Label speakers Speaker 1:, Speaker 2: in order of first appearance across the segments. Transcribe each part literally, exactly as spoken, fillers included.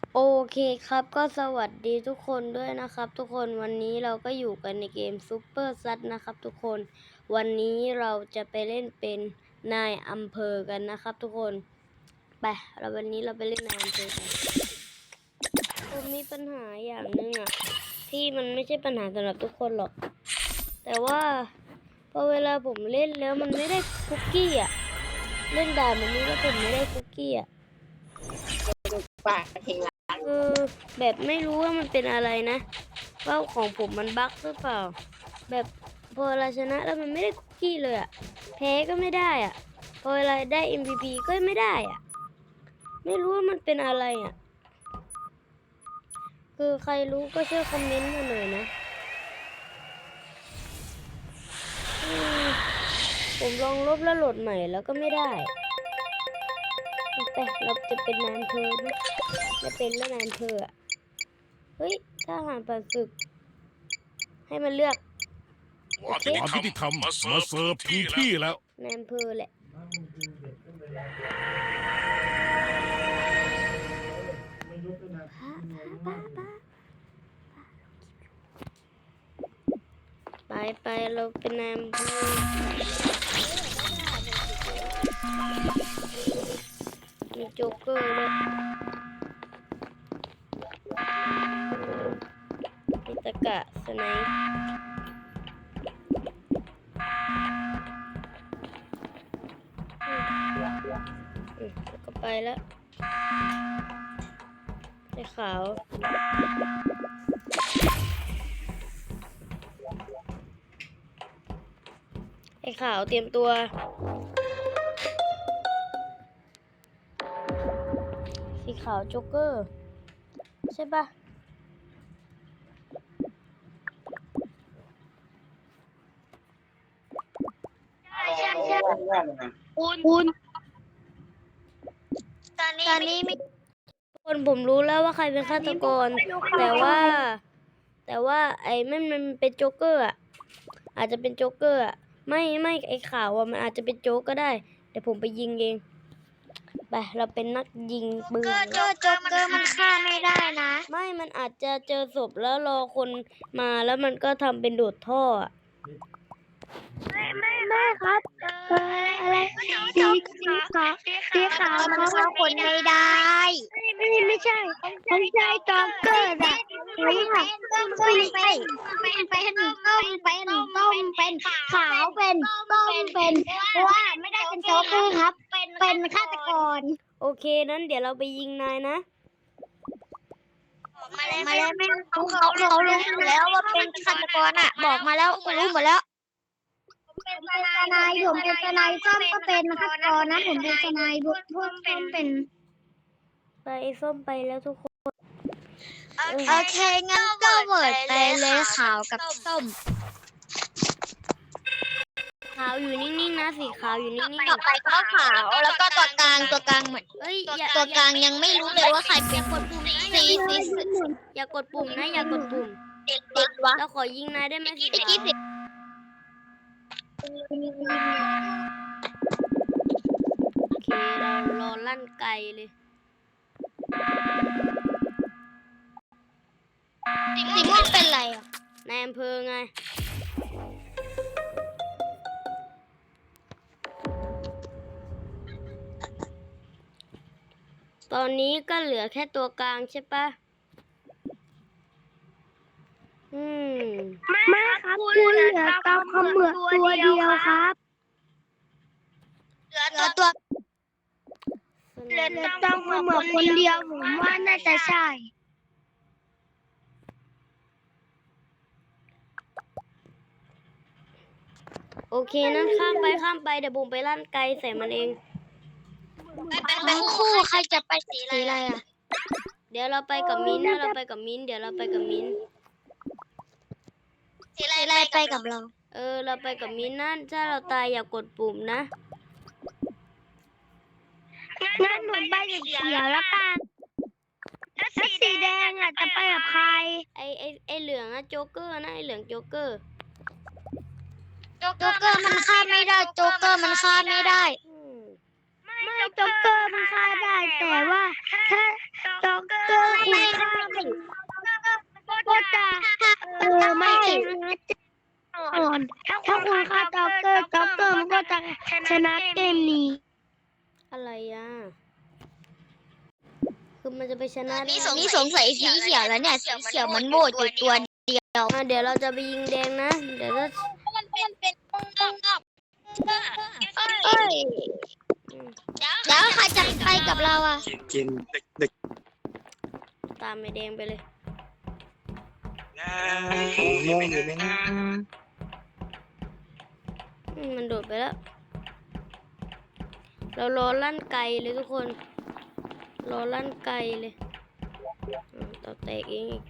Speaker 1: โอเคครับก็สวัสดีทุกคนด้วยนะครับทุกคนวันนี้เราก็อยู่กันในเกมซูเปอร์ซัดนะครับทุกคนวันนี้เราจะไปเล่นเป็นนายอำเภอกันนะครับทุกคนไปเราวันนี้เราไปเล่นนายอำเภอกันผมมีปัญหาอย่างหนึ่งอะที่มันไม่ใช่ปัญหาสำหรับทุกคนหรอกแต่ว่าพอเวลาผมเล่นแล้วมันไม่ได้คุกกี้อะเล่นด่านแบบนี้แล้วผมไม่ได้คุกกี้อะ
Speaker 2: ปากเทละ
Speaker 1: คือแบบไม่รู้ว่ามันเป็นอะไรนะว่าของผมมันบั๊กหรือเปล่าแบบพอเวลาชนะแล้วมันไม่ได้คุกกี้เลยอะแพ้ก็ไม่ได้อะพอเวลาได้ เอ็ม วี พี ก็ไม่ได้อะไม่รู้ว่ามันเป็นอะไรอะคือใครรู้ก็ช่วยคอมเมนต์มาหน่อยนะผมลองลบแล้วโหลดใหม่แล้วก็ไม่ได้แต่เราจะเป็นนายอำเภอไหมจะเป็นแล้วนายอำเภออะเฮ้ยทหารผ่านศึกให้มันเลือกโอเค
Speaker 3: ความยุติธรรมมาเสิร์ฟถึงที่แล้ว
Speaker 1: นายอำเภอแหละไปไปเราเป็นนายอำเภอมีโจ๊กเกอร์ด้วยมีตะกะสไนป์อืมแล้วก็ไปแล้วไอ้ขาวไอ้ขาวเตรียมตัวสีขาวโจ๊กเกอร์ใช่ปะ
Speaker 2: คุณคุณตอนนี้ตอนนี้มี
Speaker 1: คนผมรู้แล้วว่าใครเป็นฆาตกรแต่ว่า แต่ว่าไอ้มันมันเป็นโจ๊กเกอร์อ่ะอาจจะเป็นโจ๊กเกอร์อ่ะไม่ไม่ไอ้ข่าวอ่ะมันอาจจะเป็นโจ๊กก็ได้เดี๋ยวผมไปยิงเองไปเราเป็นนักยิงปืน
Speaker 2: โจ๊กเกอร์โจ๊กเกอร์มันฆ่าไม่ได้นะ
Speaker 1: ไม่มันอาจจะเจอศพแล้วรอคนมาแล้วมันก็ทำเป็นโดดท่ออะ
Speaker 2: ไม่ไม่ไม่ครับเอออะไรสีสีขาวสีขาวมันฆ่าคนไม่ได้ไม่ไม่ใช่ไม่ใช่โจ๊กเกอร์อะไม่ใช่ต้มเป็นเป็นเป็นต้มเป็นต้มเป็นขาวเป็นต้มเป็นเพราะว่าไม่ได้เป็นโจ๊กเกอร์ครับ เป็นฆาตกร
Speaker 1: โอเคนั้นเดี๋ยวเราไปยิงนายนะ
Speaker 2: มาแล้วมาแล้วไม่เขาเขาเขารู้หมดแล้วว่าเป็นฆาตกรอ่ะ บอกมาแล้วรู้หมดแล้วเป็นทนายผมเป็นทนายส้มก็เป็นฆาตกรนะผมเป็นทนายบุกพุ่มเป็นเป็น
Speaker 1: ไปส้มไปแล้วทุกคน
Speaker 2: โอเคงั้นก็เวิร์ดไปเลยขาวกับส้ม
Speaker 1: ขาวอยู่นิ่งๆนะสีขาวอยู่นิ่ง
Speaker 2: ต่อไปก็ขาวแล้วก็ตัวกลางตัวกลางเหมือน
Speaker 1: ๆเอ้ยอย่า
Speaker 2: ตัวกลางยังไม่รู้เลยว่าใครเป็นคนสีสีสี
Speaker 1: อย่ากดปุ่มนะอย่ากดปุ่ม
Speaker 2: เด็กเด็กวะ
Speaker 1: เราขอยิงนายได้ไหมสี
Speaker 2: ตะ
Speaker 1: ขาว
Speaker 2: กี้สิ
Speaker 1: โอเคเรารอลั่นไกลเลย
Speaker 2: สีม่วงเป็นไรอ่ะ
Speaker 1: นายอำเภอไงตอนนี้ก็เหลือแค่ตัวกลางใช่ปะอืม
Speaker 2: ไม่ครับคุณเหลือเกาขมือตัวเดียวครับเหลือตัวเหลือเกาขมือคนเดียวผมว่าน่าจะใช่
Speaker 1: โอเคนั้นข้ามไปข้ามไปเดี๋ยวบุ๋มไปลั่นไกลใส่มันเอง
Speaker 2: เป็นคู่ใครจะไปสีอะไรอ่ะ
Speaker 1: เดี๋ยวเราไปกับมิ้นท์นะเราไปกับมิ้นท์เดี๋ยวเราไปกับมิ้นท์
Speaker 2: สีอะไรไปกับเรา
Speaker 1: เออเราไปกับมิ้นท์นะถ้าเราตายอย่ากดปุ่มนะ
Speaker 2: งั้นหนูไปสีเขียวแล้วกันแล้วสีแดงอ่ะจะไปกับใคร
Speaker 1: ไอไอไอเหลืองอะโจ๊กเกอร์นะไอเหลืองโจ๊กเกอร์
Speaker 2: โจ๊กเกอร์มันฆ่าไม่ได้โจ๊กเกอร์มันฆ่าไม่ได้
Speaker 1: อืม
Speaker 2: ไม่โจ๊กเกอร์มันฆ่าได้แต่ว่าถ้าโจ๊กเกอร์คนะเกมนี้
Speaker 1: อะไรอ่ะ คือมันจะไปชนะได้
Speaker 2: นี่
Speaker 1: ไง
Speaker 2: สงนี่สงสัยสีเขียวแล้วเนี่ยสีเขียวมันโหวตอยู่ตัวเดียว
Speaker 1: อ่ะเดี๋ยวเราจะไปยิงแดงนะ เดี๋ยวถ้า
Speaker 2: มันเป็นเป็นเอ้ย
Speaker 1: อืม
Speaker 2: แล้วใครจะไปกับเราอ่ะ
Speaker 4: กินเด็กเด็ก
Speaker 1: ตามไอ้แดงไปเลย
Speaker 4: ม่วงอยู่ไหมนะ
Speaker 1: อืมมันโดดไปแล้ว เรารอลั่นไกลเลยทุกคน รอลั่นไกลเลยอืมต่อแตกเองอีก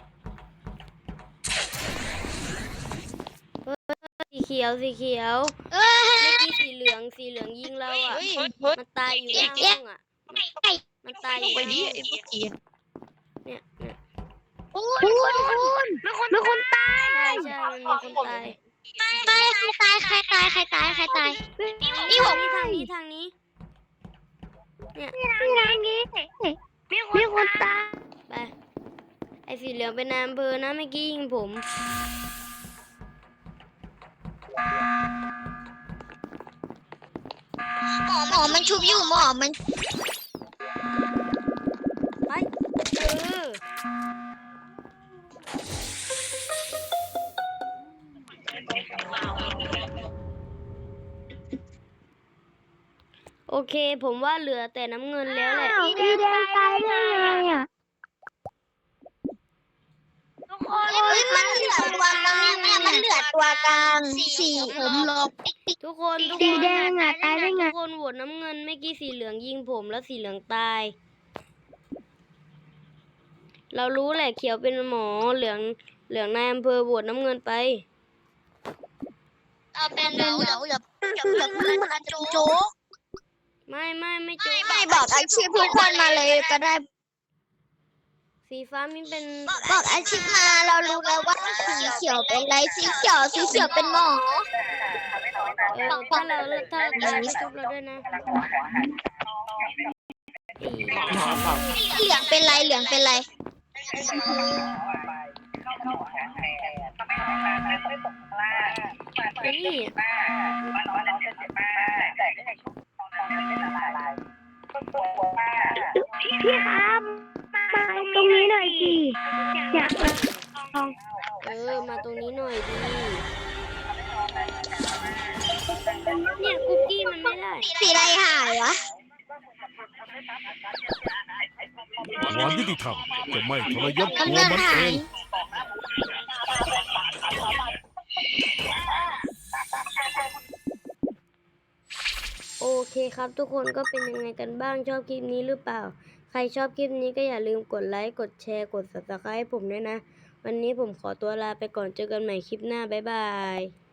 Speaker 1: เฮ้ยสีเขียวสีเขียว
Speaker 2: เอ้ย
Speaker 1: เมื่อกี้สีเหลืองสีเหลืองยิงเราอ่ะ มันตายอยู่หน้าห้องอ่ะ มันตายอยู่หน้าห้องเนี่ยเนี่ย
Speaker 2: คุณคุณมีคนตาย
Speaker 1: ใช่ใช่มันมีคนตาย
Speaker 2: ไม่ใครตายใครตายใครตายใครตายนี่ผม
Speaker 1: ทางนี้ทางนี้ เนี่ย
Speaker 2: นี่ทางนี้มีคนตาย
Speaker 1: ไป ไอ้สีเหลืองเป็นนายอำเภอนะเมื่อกี้ยิงผม
Speaker 2: หมอหมอมันชุบอยู่หมอมัน
Speaker 1: ไปเออโอเค ผมว่าเหลือแต่น้ำเงินแล้วแหละ
Speaker 2: สีแดงตายได้ไงอ่ะเฮ้ยมันเหลือตัวกลางเนี่ยมันเหลือตัวกลางสีผมลบ
Speaker 1: ทุกคนทุก
Speaker 2: สี
Speaker 1: คน
Speaker 2: แดงอ่ะตายได้ไง
Speaker 1: ทุกคนโหวตน้ำเงินเมื่อกี้สีเหลืองยิงผมแล้วสีเหลืองตาย เรารู้แหละเขียวเป็นหมอเหลืองเหลืองนายอำเภอโหวตน้ำเงินไป
Speaker 2: เอาเป็นเหลือเหลือเหลือเหลือเหลือโจ๊ก
Speaker 1: ไม่ไม่ไม่โจ
Speaker 2: ไม่บอกอาชีพทุกคนมาเลยก็ได้
Speaker 1: สีฟ้ามินเป็น
Speaker 2: บอกอาชีพมาเรารู้แล้วว่าสีเขียวเป็นอะไรสีเขียวสีเขียวเป็นหมอ
Speaker 1: เออถ้าเราถ้าเราตายก็ชุบเราด้วยนะอี
Speaker 2: เหลืองเป็นไรเหลืองเป็นไร
Speaker 1: นี่
Speaker 2: พี่ครับมาตรงนี้หน่อยสิอยากมาลอง
Speaker 1: เออมาตรงนี้หน่อยดีเนี่ยคุกกี้มันไม่ได้
Speaker 2: สีอะไรหายวะ
Speaker 3: ความยุติธรรมจะไม่ทรยศตัว
Speaker 2: กำลัง
Speaker 3: มัน
Speaker 2: หา
Speaker 3: เอย ง
Speaker 1: โอเคครับทุกคนก็เป็นยังไงกันบ้างชอบคลิปนี้หรือเปล่า ใครชอบคลิปนี้ก็อย่าลืมกดไลค์กดแชร์กด ซับสไครบ์ ให้ผมด้วยนะ วันนี้ผมขอตัวลาไปก่อนเจอกันใหม่คลิปหน้าบ๊ายบาย